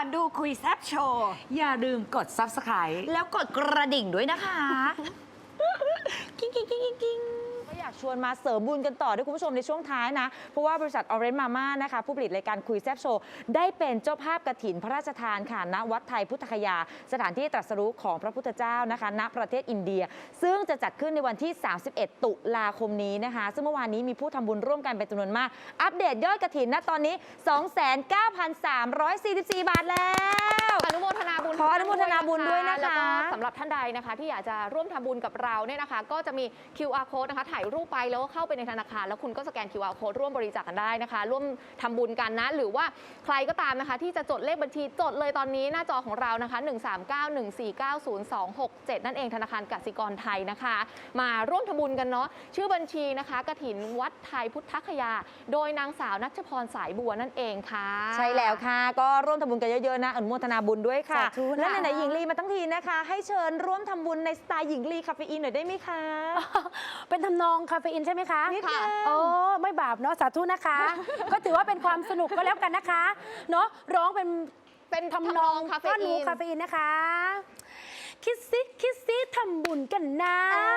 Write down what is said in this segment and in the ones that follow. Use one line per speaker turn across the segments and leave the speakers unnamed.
อนดูคุยแซบโชว์
อย่าลืมกด Subscribe
แล้วกดกระดิ่งด้วยนะคะกิ้งกิ้งกิ้งกิ้ง
ก็อยากชวนมาเสริมบุญกันต่อด้วยคุณผู้ชมในช่วงท้ายนะเพราะว่าบริษัท Orange Mama นะคะผู้ผลิตรายการคุยแซ่บโชว์ได้เป็นเจ้าภาพกฐินพระราชทานค่ะณวัดไทยพุทธคยาสถานที่ตรัสรู้ของพระพุทธเจ้านะคะณประเทศอินเดียซึ่งจะจัดขึ้นในวันที่ 31 ตุลาคมนี้นะคะซึ่งเมื่อวานนี้มีผู้ทำบุญร่วมกันเป็นจำนวนมากอัปเดตยอดกฐินณตอนนี้ 29,344 บาทแล้ว
อนุโมทนาบุญ
ขออนุโมทนาบุญด้วยนะคะ
แล้วก็สำหรับท่านใดนะคะที่อยากจะร่วมทำบุญกับเราเนี่ยนะคะก็จะมี QR code นะคะถ่ายรูปไปแล้วก็เข้าไปในธนาคารแล้วคุณก็สแกน QR code ร่วมบริจาคกันได้นะคะร่วมทำบุญกันนะหรือว่าใครก็ตามนะคะที่จะจดเลขบัญชีจดเลยตอนนี้หน้าจอของเรานะคะ13914902267นั่นเองธนาคารกสิกรไทยนะคะมาร่วมทำบุญกันเนาะชื่อบัญชีนะคะกฐินวัดไทยพุทธคยาโดยนางสาวณัชพรสายบัวนั่นเองค่ะ
ใช่แล้วค่ะก็ร่วมทำบุญกันเยอะๆนะอนุโมทนาบุญด้วยค่ะ
สาธุนะ
และไหนๆหญิงลีมาทั้งทีนะคะ ให้เชิญร่วมทำบุญในสไตล์หญิงลีคาเฟอีนหน่อยได้ไหมคะ
เป็นทำนองคาเฟอีนใช่ไหมคะ
นิดนึง
โอ้ไม่บาปเนาะสาธุนะคะ ก็ถือว่าเป็นความสนุกก็แล้วกันนะคะเนาะร้องเป็นทำนอง
คาเฟ
ก็
อี
รู้
น
คาเฟอีนนะคะ คิดซิทำบุญกันนะ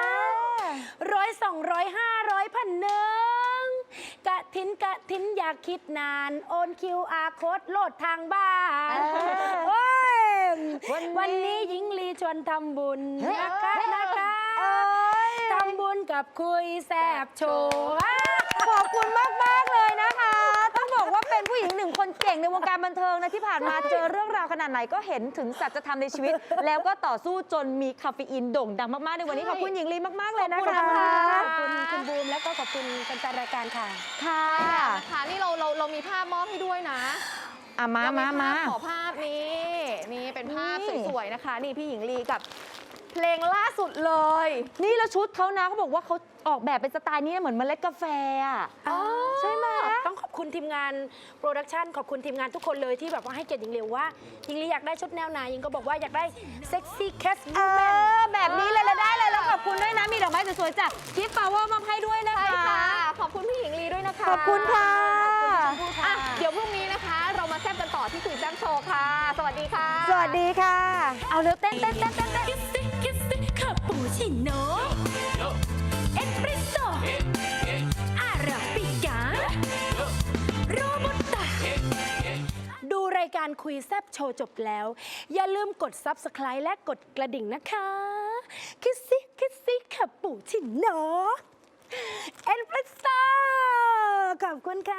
100 200 500 1,000กะทินอยากคิดนานโอน QR โค้ดโหลดทางบ้านโอ้ยวันนี้หญิงลีชวนทำบุญนะคะทำบุญกับคุยแซบโชว์
ขอบคุณมากๆเลยนะคะ ต้องบอกว่าเป็นผู้หญิงหนึ่งคนเก่งในวงการบันเทิงนะที่ผ่านมาเจอเรื่องราวขนาดไหนก็เห็นถึงสัจธรรมในชีวิต แล้วก็ต่อสู้จนมีคาเฟอีนโด่งดังมากๆในวันนี้ขอบคุณหญิงลีมากๆเลยนะคะ
ขอบคุณคุณบูมแล้วก็ขอบคุณแฟนๆรายการค่ะ
ค่ะ
ค่ะนี่เรามีภาพมอบให้ด้วยนะ
มา
ขอภาพนี่เป็นภาพ
นี่
สวยๆนะคะ นี่พี่หญิงลีกับเพลงล่าสุดเลย
นี่แล้วชุดเขานะเขาบอกว่าเขาออกแบบเป็นสไตล์นี้เหมือนเมล็ดกาแฟอ่ะ
ใช่ไหมต้องขอบคุณทีมงานโปรดักชันขอบคุณทีมงานทุกคนเลยที่แบบว่าให้เกียรติหญิงลีว่าหญิงลีอยากได้ชุดแนวไหนหญิงก็บอกว่าอยากได้เซ็กซี่แคส
เออแบบนี้เลยแล้วได้เลยแล้วขอบคุณด้วยนะมีดอกไม้สวยๆจากกิฟต์ฟลาวเวอร์มาให้ด้วยนะ
ใช่
คะ
ค่ะ ขอบคุณพี่หญิงลีด้วยนะคะ
ขอบคุณค่ะ
อ่ะ เดี๋ยวพรุ่งนี้นะคะ เรามาแซ่บกันต่อที่คุยแซ่บโชว์ค่ะ สวัสดีค่ะ
สวัสดีค่ะ
เอาเร็วเต้น
คิสซี่คาปูชิโน่เอสเปรสโซ่อาราบิก้าโรบัสต้า
ดูรายการคุยแซบโชว์จบแล้ว อย่าลืมกด Subscribe และกดกระดิ่งนะคะคิสซี่คาปูชิโน่เอสเปรสโซ่ขอบคุณค่ะ